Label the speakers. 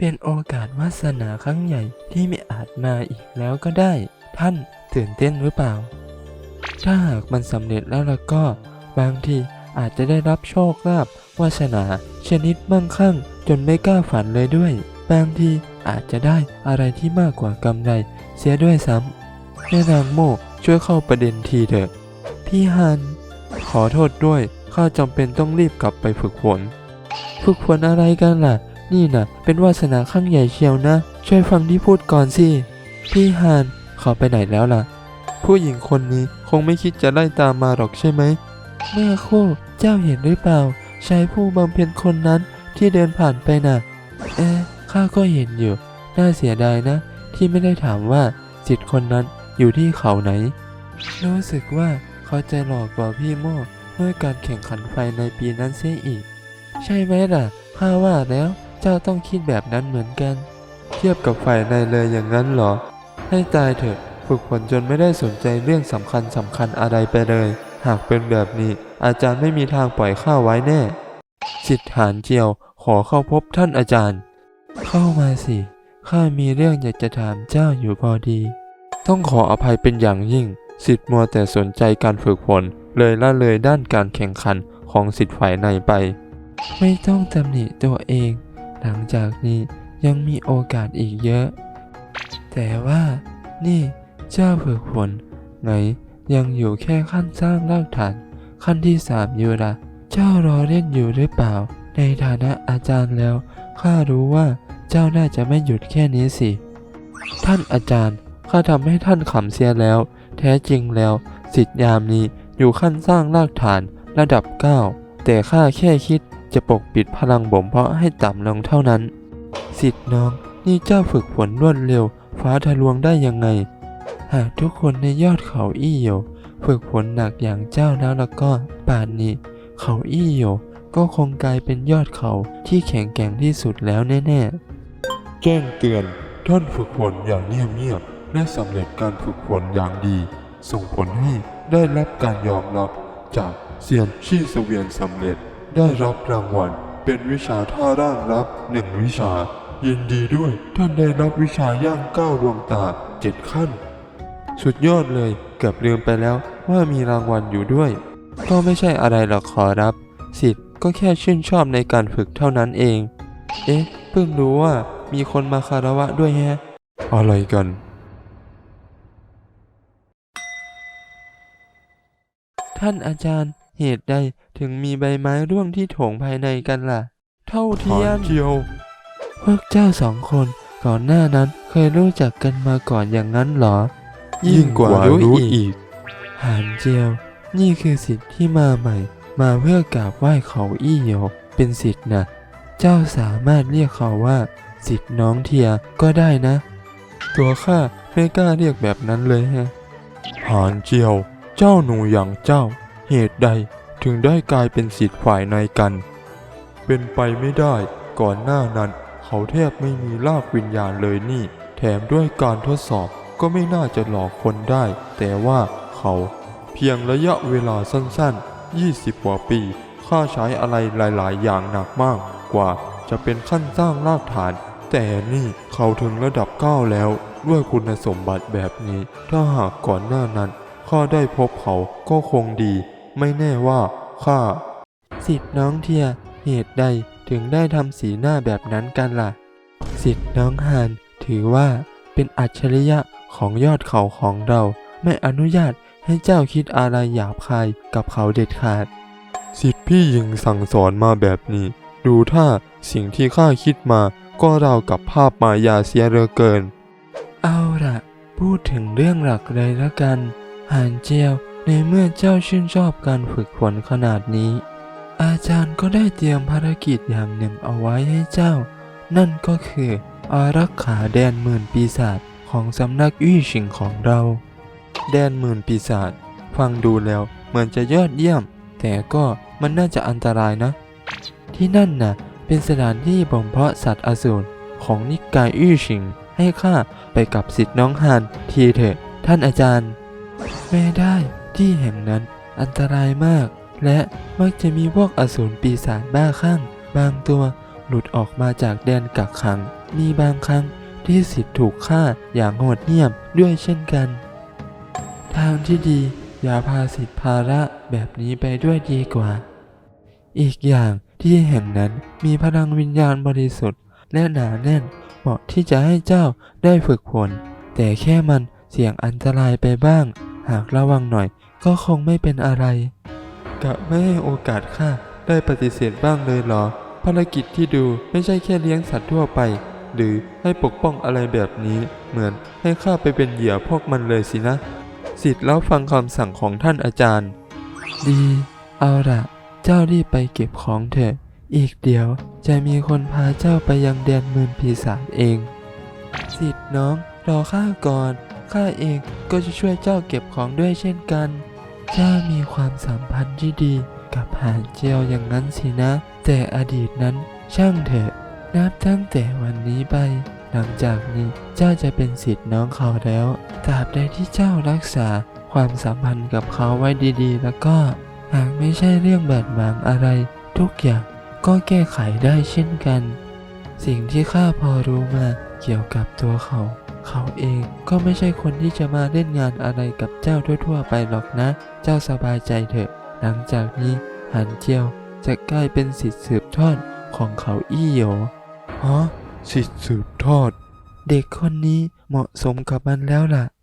Speaker 1: เป็นโอกาสวาสนาครั้งใหญ่ที่ไม่อาจมาอีกแล้วก็ได้ท่านตื่นเต้นหรือเปล่าถ้าหากมันสำเร็จแล้วล่ะก็บางทีอาจจะได้รับโชคลาภวาสนาชนิดมั่งคั่งจนไม่กล้าฝันเลยด้วยบางทีอาจจะได้อะไรที่มากกว่ากำไรเสียด้วยซ้ำแม่นางโมช่วยเข้าประเด็นทีเถอะพี่ฮันขอโทษด้วยข้าจำเป็นต้องรีบกลับไปฝึกฝนอะไรกันล่ะนี่น่ะเป็นวาสนาครั้งใหญ่เชียวนะช่วยฟังที่พูดก่อนสิพี่ฮันเขาไปไหนแล้วล่ะผู้หญิงคนนี้คงไม่คิดจะไล่ตามมาหรอกใช่ไหมแม่คู่เจ้าเห็นหรือเปล่าชายผู้บำเพ็ญคนนั้นที่เดินผ่านไปน่ะข้าก็เห็นอยู่น่าเสียดายนะที่ไม่ได้ถามว่าจิตคนนั้นอยู่ที่เขาไหนรู้สึกว่าเขาจะหลอกกว่าพี่โม่เมื่อการแข่งขันไฟในปีนั้นเสียอีกใช่ไหมล่ะข้าว่าแล้วเจ้าต้องคิดแบบนั้นเหมือนกันเทียบกับฝ่ายในเลยอย่างนั้นเหรอให้ตายเถอะฝึกฝนจนไม่ได้สนใจเรื่องสำคัญอะไรไปเลยหากเป็นแบบนี้อาจารย์ไม่มีทางปล่อยข้าไว้แน่สิทธานเจียวขอเข้าพบท่านอาจารย์เข้ามาสิข้ามีเรื่องอยากจะถามเจ้าอยู่พอดีต้องขออภัยเป็นอย่างยิ่งสิทธิ์มัวแต่สนใจการฝึกฝนเลยละเลยด้านการแข่งขันของสิทธิ์ฝ่ายในไปไม่ต้องตำหนิตัวเองหลังจากนี้ยังมีโอกาสอีกเยอะแต่ว่านี่เจ้าฝึกฝนไงยังอยู่แค่ขั้นสร้างรากฐานขั้นที่3อยู่ละเจ้ารอเล่นอยู่หรือเปล่าในฐานะอาจารย์แล้วข้ารู้ว่าเจ้าน่าจะไม่หยุดแค่นี้สิท่านอาจารย์ข้าทำให้ท่านขำเสียแล้วแท้จริงแล้วศิษย์ยามนี้อยู่ขั้นสร้างรากฐานระดับ9แต่ข้าแค่คิดจะปกปิดพลังบ่มเพาะให้ต่ำลงเท่านั้นศิษย์น้องนี่เจ้าฝึกฝนรวดเร็วฟ้าทะลวงได้ยังไงหากทุกคนในยอดเขาอี้โยฝึกฝนหนักอย่างเจ้าแล้วก็ป่านนี้เขาอี้โยก็คงกลายเป็นยอดเขาที่แข็งแกร่งที่สุดแล้วแน่ๆ
Speaker 2: แจ้งเตือนท่านฝึกฝนอย่างเงียบๆและสำเร็จการฝึกฝนอย่างดีส่งผลให้ได้รับการยอมรับจากเซียนชี่เสวียนสำเร็จได้รับรางวัลเป็นวิชาท่าร่างลับ1วิชายินดีด้วยท่านได้รับวิชาย่างก้าวดวงตา7ขั้นสุดยอดเลยเกือบลืมไปแล้วว่ามีรางวัลอยู่ด้วยก็ไม่ใช่อะไรหรอกขอรับศิษย์ก็แค่ชื่นชอบในการฝึกเท่านั้นเองเพิ่งรู้ว่ามีคนมาคารวะด้วยแฮะอะไรกัน
Speaker 1: ท่านอาจารย์เหตุใดถึงมีใบไม้ร่วงที่โถงภายในกันล่ะเท่าเทียม
Speaker 2: เจียว
Speaker 1: พวกเจ้า2 คนก่อนหน้านั้นเคยรู้จักกันมาก่อนอย่างนั้นเหรอ
Speaker 2: ยิ่งกว่ารู้อีก
Speaker 1: หานเจียวนี่คือศิษย์ที่มาใหม่มาเพื่อกราบไหว้เขาอี้โยเป็นศิษย์นะเจ้าสามารถเรียกเขาว่าศิษย์น้องเทียก็ได้นะ
Speaker 2: ตัวข้าไม่กล้าเรียกแบบนั้นเลยฮะหานเจียวเจ้าหนูอย่างเจ้าเหตุใดถึงได้กลายเป็นศิษย์ฝ่ายในกันเป็นไปไม่ได้ก่อนหน้านั้นเขาแทบไม่มีรากวิญญาณเลยนี่แถมด้วยการทดสอบก็ไม่น่าจะหลอกคนได้แต่ว่าเขาเพียงระยะเวลาสั้นๆ20 กว่าปีข้าใช้อะไรหลายๆอย่างหนักมากกว่าจะเป็นขั้นสร้างรากฐานแต่นี่เขาถึงระดับ9แล้วด้วยคุณสมบัติแบบนี้ถ้าหากก่อนหน้านั้นข้าได้พบเขาก็คงดีไม่แน่ว่าข้า
Speaker 1: ศิษย์น้องเทียเหตุใดถึงได้ทำสีหน้าแบบนั้นกันล่ะศิษย์น้องฮานถือว่าเป็นอัจฉริยะของยอดเขาของเราไม่อนุญาตให้เจ้าคิดอะไรหยาบคายกับเขาเด็ดขาด
Speaker 2: ศิษย์พี่หญิงสั่งสอนมาแบบนี้ดูถ้าสิ่งที่ข้าคิดมาก็ราวกับภาพมายาเสียเหลือเกิน
Speaker 1: เอาล่ะพูดถึงเรื่องหลักเลยละกันหานเจียวในเมื่อเจ้าชื่นชอบการฝึกฝนขนาดนี้อาจารย์ก็ได้เตรียมภารกิจอย่างหนึ่งเอาไว้ให้เจ้านั่นก็คืออารักขาแดนหมื่นปีศาจของสำนักอี้ชิงของเราแดนหมื่นปีศาจฟังดูแล้วเหมือนจะยอดเยี่ยมแต่ก็มันน่าจะอันตรายนะที่นั่นน่ะเป็นสถานที่บ่มเพาะสัตว์อสูรของนิกายอี้ชิงให้ข้าไปกับศิษย์น้องฮานทีเถอะท่านอาจารย์ไม่ได้ที่แห่งนั้นอันตรายมากและมักจะมีพวกอสูรปีศาจบ้าคลั่งบางตัวหลุดออกมาจากแดนกักขัง มีบางครั้งที่สิทธิ์ถูกฆ่าอย่างโหดเหี้ยมด้วยเช่นกัน ทางที่ดีอย่าพาสิทธิภาระแบบนี้ไปด้วยดีกว่า อีกอย่างที่แห่งนั้นมีพลังวิญญาณบริสุทธิ์และหนาแน่นเหมาะที่จะให้เจ้าได้ฝึกฝนแต่แค่มันเสี่ยงอันตรายไปบ้าง หากระวังหน่อยก็คงไม่เป็นอะไรกะไม่ให้โอกาสข้าได้ปฏิเสธบ้างเลยเหรอภารกิจที่ดูไม่ใช่แค่เลี้ยงสัตว์ทั่วไปหรือให้ปกป้องอะไรแบบนี้เหมือนให้ข้าไปเป็นเหยื่อพวกมันเลยสินะสิทธิ์แล้วฟังคำสั่งของท่านอาจารย์ดีเอาล่ะเจ้ารีบไปเก็บของเถอะอีกเดี๋ยวจะมีคนพาเจ้าไปยังแดนเมืองปีศาจเองสิทธิ์น้องรอข้าก่อนข้าเองก็จะช่วยเจ้าเก็บของด้วยเช่นกันเจ้ามีความสัมพันธ์ที่ดีกับหานเจียวอย่างนั้นสินะแต่อดีตนั้นช่างเถอะนับตั้งแต่วันนี้ไปหลังจากนี้เจ้าจะเป็นศิษย์น้องเขาแล้วตราบใดที่เจ้ารักษาความสัมพันธ์กับเขาไว้ดีๆแล้วก็หากไม่ใช่เรื่องบาดหมางอะไรทุกอย่างก็แก้ไขได้เช่นกันสิ่งที่ข้าพอรู้มาเกี่ยวกับตัวเขาเองก็ไม่ใช่คนที่จะมาเล่นงานอะไรกับเจ้าทั่วๆไปหรอกนะ เจ้าสบายใจเถอะหลังจากนี้หันเจียวจะกลายเป็นศิษย์สืบทอดของเขาอี้โหย
Speaker 2: ฮะสิทธิ์สืบทอด
Speaker 1: เด็กคนนี้เหมาะสมกับมันแล้วล่ะ